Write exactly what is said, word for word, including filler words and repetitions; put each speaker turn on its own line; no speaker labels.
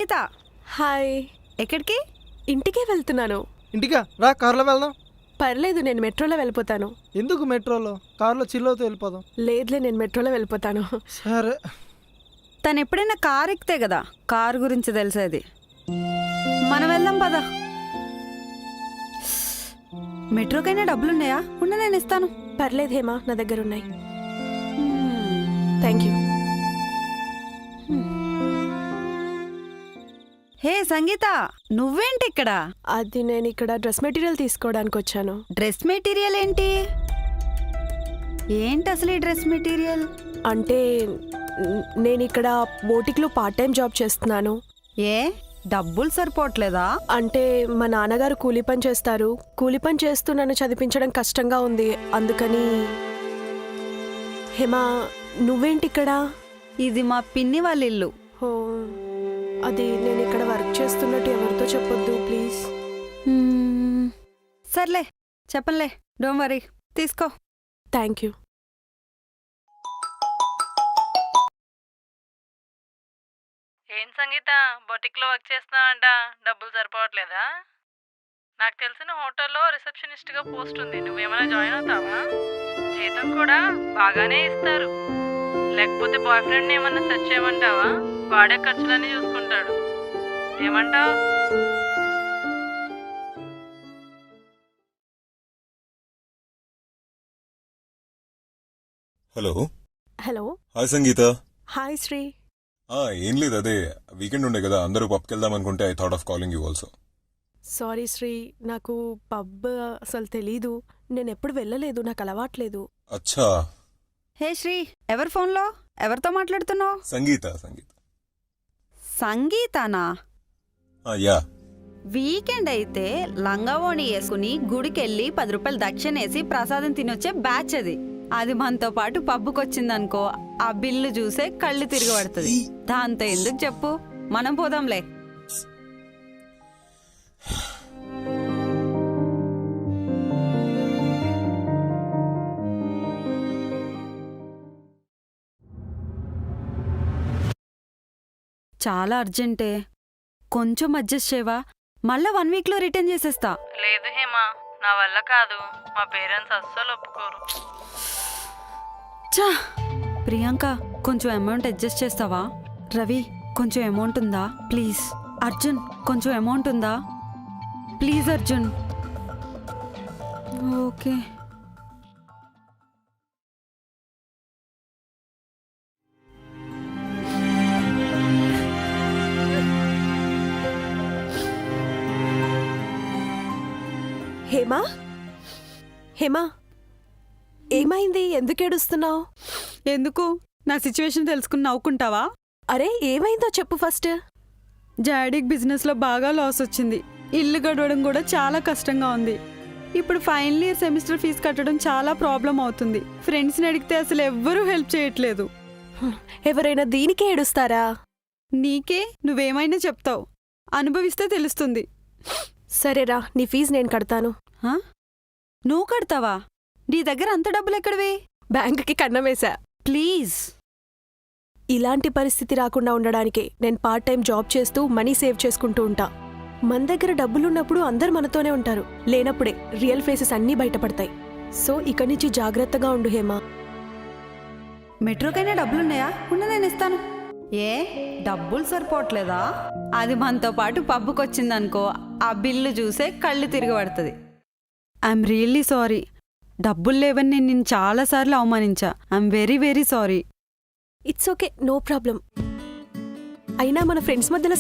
సంగీత.
Hi.
ఎక్కడికి?
ఇంటికే వెళ్తున్నాను.
ఇంటికా? రా, కార్లో వెళ్దాం.
పర్లేదు, నేను మెట్రోలో వెళ్ళిపోతాను.
ఎందుకు మెట్రోలో? కార్లో చిల్లవుతూ వెళ్ళిపోదాం.
లేదులే, నేను మెట్రోలో వెళ్ళిపోతాను.
సరే.
తను ఎప్పుడైనా కార్ ఎక్కితే కదా కార్ గురించి తెలిసేది. మనం వెళ్దాం పదా. మెట్రోకైనా డబ్బులున్నాయా? ఉన్న నేను ఇస్తాను.
పర్లేదు హేమా, నా దగ్గర ఉన్నాయి. Thank you.
హే సంగీత, నువ్వేంటి ఇక్కడ?
అది నేను ఇక్కడ డ్రెస్ మెటీరియల్ తీసుకోవడానికి వచ్చాను.
డ్రెస్ మెటీరియల్ ఏంటి? ఏంటి అసలు ఈ డ్రెస్ మెటీరియల్?
అంటే నేను ఇక్కడ బోటిక్లో పార్ట్ టైం జాబ్ చేస్తున్నాను.
ఏ డబ్బులు సరిపోవట్లేదా?
అంటే మా నాన్నగారు కూలి పని చేస్తారు. కూలి పని చేస్తూ నన్ను చదివించడం కష్టంగా ఉంది, అందుకని. హేమా, నువ్వేంటి ఇక్కడ?
ఇది మా పిన్ని వాళ్ళ ఇల్లు.
ఓ, అది నేను ఇక్కడ వర్క్ చేస్తున్నట్టు ఎవరితో చెప్పొద్దు ప్లీజ్.
సర్లే, చెప్పంలే, డోంట్ వరీ. తీసుకో.
Thank you.
ఏం సంగీత, బొటిక్లో వర్క్ చేస్తున్నావంట, డబ్బులు సరిపోవట్లేదా? నాకు తెలిసిన హోటల్లో రిసెప్షనిస్ట్గా పోస్ట్ ఉంది, నువ్వేమైనా జాయిన్ అవుతావా? జీతం కూడా బాగానే ఇస్తారు. లేకపోతే బాయ్ ఫ్రెండ్ని ఏమన్నా సెర్చ్ చేయమంటావా? వాడే ఖర్చులన్నీ చూసుకుంటాడు. ఏమంటావు?
Hello.
Hello.
Hi Sangeetha.
Hi Sri.
ఏం లేదు, అదే వీకెండ్ ఉండే కదా, అందరూ పబ్కి వెళ్దాం అనుకుంటే I thought of calling you also.
Sorry Sri, నాకు పబ్ అసలు తెలీదు. నేను ఎప్పుడు వెళ్ళలేదు, నాకు అలవాట్లేదు.
అచ్చా.
హే శ్రీ, ఎవరి ఫోన్లో ఎవరితో మాట్లాడుతున్నావు?
సంగీత. సంగీత
సంగీతానా?
యా.
వీకెండ్ అయితే లంగావోణి వేసుకుని గుడికెళ్ళి పది రూపాయలు దక్షిణేసి ప్రసాదం తినొచ్చే బ్యాచ్ అది. అది మనతో పాటు పబ్బుకొచ్చిందనుకో, ఆ బిల్లు చూసే కళ్ళు తిరగబడుతుంది. దాంతో ఎందుకు చెప్పు, మనం పోదాంలే. చాలా అర్జెంటే, కొంచెం అడ్జస్ట్ చేయవా? మళ్ళా వన్ వీక్లో రిటర్న్ చేసేస్తా.
లేదు హేమా, నా వల్ల కాదు. మా పేరెంట్స్ అస్సలు ఒప్పుకోరు.
చా. ప్రియాంక, కొంచెం అమౌంట్ అడ్జస్ట్ చేస్తావా? రవి, కొంచెం అమౌంట్ ఉందా ప్లీజ్? అర్జున్, కొంచెం అమౌంట్ ఉందా ప్లీజ్? అర్జున్. ఓకే.
హేమా, హేమా, ఏమైంది? ఎందుకు ఏడుస్తున్నావు?
ఎందుకు? నా సిచ్యువేషన్ తెలుసుకుని నవ్వుకుంటావా?
అరే, ఏమైందో చెప్పు ఫస్ట్.
జాడిక్ బిజినెస్లో బాగా లాస్ వచ్చింది. ఇల్లు గడవడం కూడా చాలా కష్టంగా ఉంది. ఇప్పుడు ఫైనల్ ఇయర్ సెమిస్టర్ ఫీజు కట్టడం చాలా ప్రాబ్లం అవుతుంది. ఫ్రెండ్స్ని అడిగితే అసలు ఎవ్వరూ హెల్ప్ చేయట్లేదు.
ఎవరైనా దీనికే ఏడుస్తారా?
నీకే, నువ్వేమైనా చెప్తావు, అనుభవిస్తే తెలుస్తుంది.
సరేరా, నీ ఫీజు నేను కడతాను.
హా? నువ్వు కడతావా? నీ దగ్గర అంత డబ్బులు ఎక్కడివి?
బ్యాంకుకి కన్నం వేశా.
ప్లీజ్.
ఇలాంటి పరిస్థితి రాకుండా ఉండడానికే నేను పార్ట్ టైం జాబ్ చేస్తూ మనీ సేవ్ చేసుకుంటూ ఉంటా. మన దగ్గర డబ్బులున్నప్పుడు అందరు మనతోనే ఉంటారు, లేనప్పుడే రియల్ ఫేసెస్ అన్నీ బయటపడతాయి. సో ఇక నుంచి జాగ్రత్తగా ఉండు హేమా.
మెట్రోకైనా డబ్బులున్నాయా? ఉన్న నేను ఇస్తాను. ఏ డబ్బులు సరిపోవట్లేదా? అది మనతో పాటు పబ్బుకొచ్చిందనుకో, ఆ బిల్లు చూసే కళ్ళు తిరగబడుతుంది. I'm really sorry. డబ్బులు లేవని నేను నిన్ను చాలాసార్లు అవమానించా. I'm very very sorry.
It's okay, no problem. అయినా మన ఫ్రెండ్స్ మధ్యలో